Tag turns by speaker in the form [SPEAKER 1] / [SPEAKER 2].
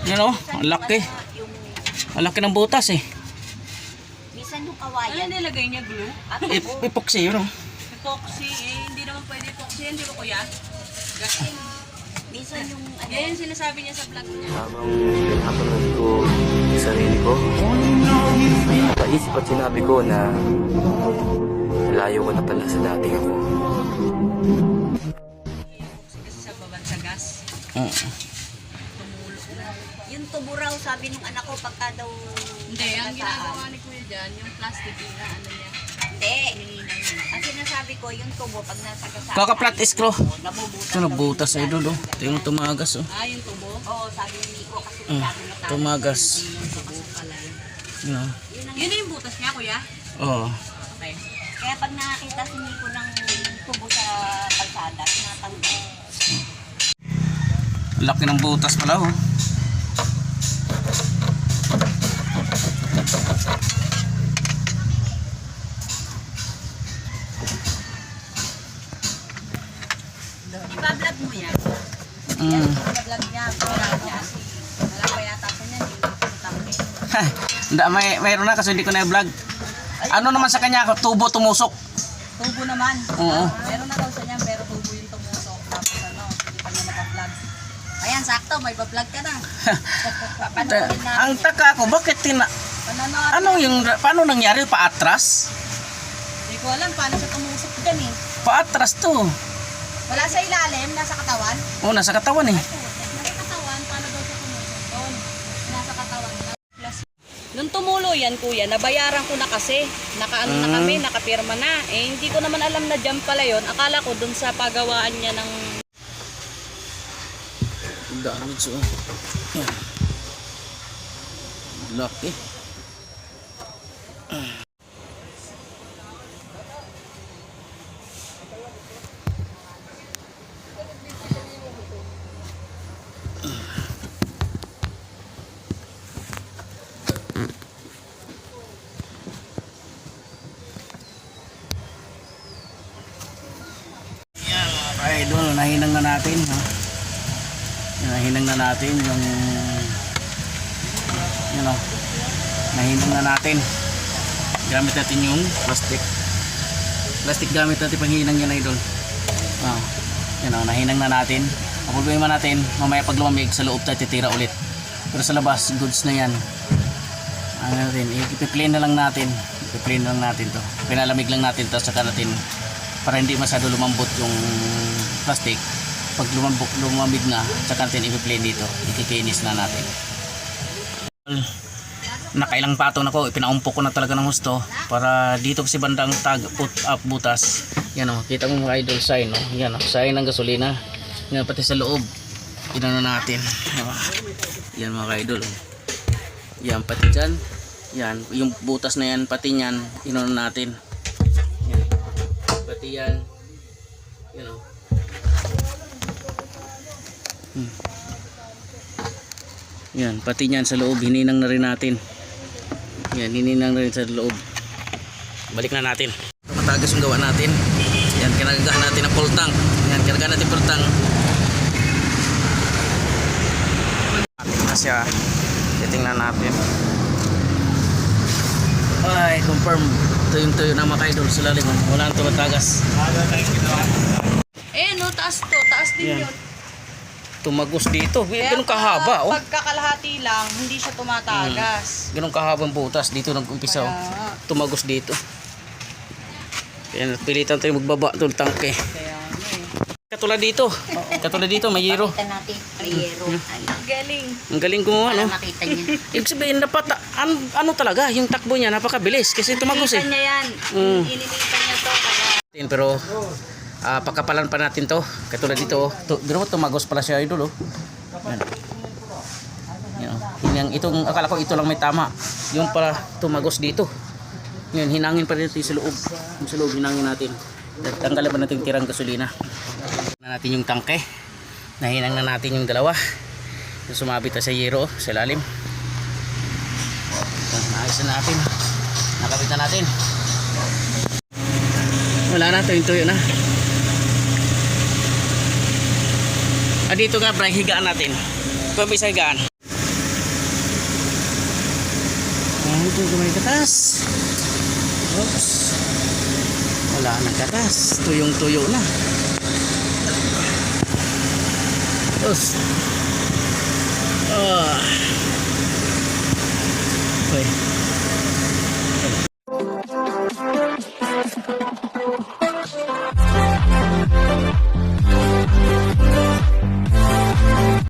[SPEAKER 1] Yan o, ang laki. Ang laki ng butas eh.
[SPEAKER 2] Minsan yung kawayan.
[SPEAKER 3] Ano nilagay niya, glue?
[SPEAKER 1] Epoxy yun o.
[SPEAKER 3] Epoxy, hindi naman pwede epoxy yan, di ba kuya?
[SPEAKER 2] Minsan yung ano.
[SPEAKER 3] Yan yung sinasabi niya sa vlog niya.
[SPEAKER 4] Habang pinapanood ko yung sarili ko, napaisip at sinabi ko na layo ko na pala sa dating ako.
[SPEAKER 3] Kasi sa baban sa gas.
[SPEAKER 2] Yung tubo raw, sabi nung anak ko, pagka daw...
[SPEAKER 3] Hindi, ang ginagawa ni kuya dyan, yung plastic na ano niya.
[SPEAKER 2] Hindi. Ang sinasabi ko, yung tubo, pag nasa kasama...
[SPEAKER 1] Kaka-flat screw.
[SPEAKER 2] Nabubutas.
[SPEAKER 1] Ito nagbutas ay doon o. Ito yung tumagas o.
[SPEAKER 3] Ah, yung tubo?
[SPEAKER 2] Oo, sabi ni Nico kasi sabi na
[SPEAKER 1] Tumagas.
[SPEAKER 3] Yung tubo pala yun.
[SPEAKER 1] Yan.
[SPEAKER 3] Yun na yung butas niya, kuya?
[SPEAKER 1] Oo.
[SPEAKER 3] Okay.
[SPEAKER 2] Kaya pag nakakita si Nico ng tubo sa kalsada, tinatanggal.
[SPEAKER 1] Laki ng butas pala o.
[SPEAKER 2] Iba-vlog mo yan. Iba-vlog niya. Vlog niya. Wala pa yata ko niyan.
[SPEAKER 1] Hindi, mayroon na kasi hindi ko na i-vlog. Ano naman sa kanya, tubo tumusok.
[SPEAKER 2] Tubo naman.
[SPEAKER 1] Oo.
[SPEAKER 2] Meron na daw sa niya, pero tubo yung tumusok. Tapos ano, hindi pa niya naka-vlog. Ayan, sakto, may ba-vlog ka na. Panoorin natin.
[SPEAKER 1] Ang taka ko, bakit
[SPEAKER 2] Panonood.
[SPEAKER 1] paano nangyari? Paatras?
[SPEAKER 2] Hindi ko alam paano siya tumusok dyan eh.
[SPEAKER 1] Paatras to.
[SPEAKER 2] Wala sa ilalim, nasa katawan.
[SPEAKER 1] Oo, nasa katawan eh.
[SPEAKER 2] Nasa katawan, paano daw siya tumusok doon? Nasa katawan.
[SPEAKER 3] Nung tumulo yan, kuya, nabayaran ko na kasi. Nakaano na kami, nakapirma na. Eh, hindi ko naman alam na dyan pala yun. Akala ko dun sa pagawaan niya ng...
[SPEAKER 1] Damage oh. Yan. Laki. Yan mga idol, nahinang na natin ha. Nahinang na natin yung nahinang na natin. Gamit natin yung plastic gamit natin panghinang yan idol. Nahinang na natin. Ang problema natin, mamaya pag lumamig sa loob tayo titira ulit, pero sa labas goods na yan. Ipi-plain na lang natin, to, pinalamig lang natin to, saka natin para hindi masyado lumambot yung plastic. Pag lumamig na, saka natin i-play dito, ikikinis na natin. Nakailang patong na ko, ipinaumpok ko na talaga ng gusto para dito kasi bandang put up butas. Yan o, kita mo mga idol, sign o. Yan o, sign ng gasolina. Yan, pati sa loob, inano natin. Yan mga idol. Yan, pati dyan. Yan, yung butas na yan, pati yan, inano natin. Yan, pati yan. Yan o. Yan, pati niyan sa loob hininang na rin natin. Yan, hininang na rin sa loob. Balik na natin. Matagas yung gawa natin. Yan, kinagagaan natin ang full tank. Yan, kinagagaan natin full tank. Ating na siya. Titingnan natin. Ay, confirm. Tuyong-tuyo na mga idol sa lalim. Wala nang tumatagas.
[SPEAKER 3] Eh, no, taas to. Taas din
[SPEAKER 1] Yan.
[SPEAKER 3] yun.
[SPEAKER 1] Tumagos dito. Ganun kahaba oh.
[SPEAKER 3] Pagkakalahati lang, hindi siya tumatagas.
[SPEAKER 1] Ganun kahabang butas. Dito nag-umpisa oh. Tumagos dito. Kaya pilitan tayo magbaba ng tangke.
[SPEAKER 3] Kaya ano eh.
[SPEAKER 1] Katulad dito. Katulad dito, may yero.
[SPEAKER 2] Makita natin, may yero.
[SPEAKER 3] Galing.
[SPEAKER 1] Ang galing gumawa, no?
[SPEAKER 2] Para makita niya.
[SPEAKER 1] Ibig sabihin, ano talaga, yung takbo niya, napakabilis. Kasi tumagos eh.
[SPEAKER 2] Ininitan niya yan. Ininitan niya to. Kaya...
[SPEAKER 1] Pero, pagkapalan pa natin to. Katulad dito, pero tumagos pala siya, idol, oh. Yan. Yan, itong, akala ko ito lang may tama. Yung pala, tumagos dito. Yan, hinangin pa rin ito sa loob. Yung sa loob, hinangin natin. Tanggalin pa natin yung tirang gasolina. Na natin yung tangke. Nahinang na natin yung dalawa. Yung sumabit na sa yero, sa lalim. Naayos na natin. Nakabit na natin. Wala na, tuyo na. Dito nga, bray, higaan natin. Ito may higaan. Ito may katas. Oops. Wala nang katas. Tuyong-tuyo na. Oops. Okay.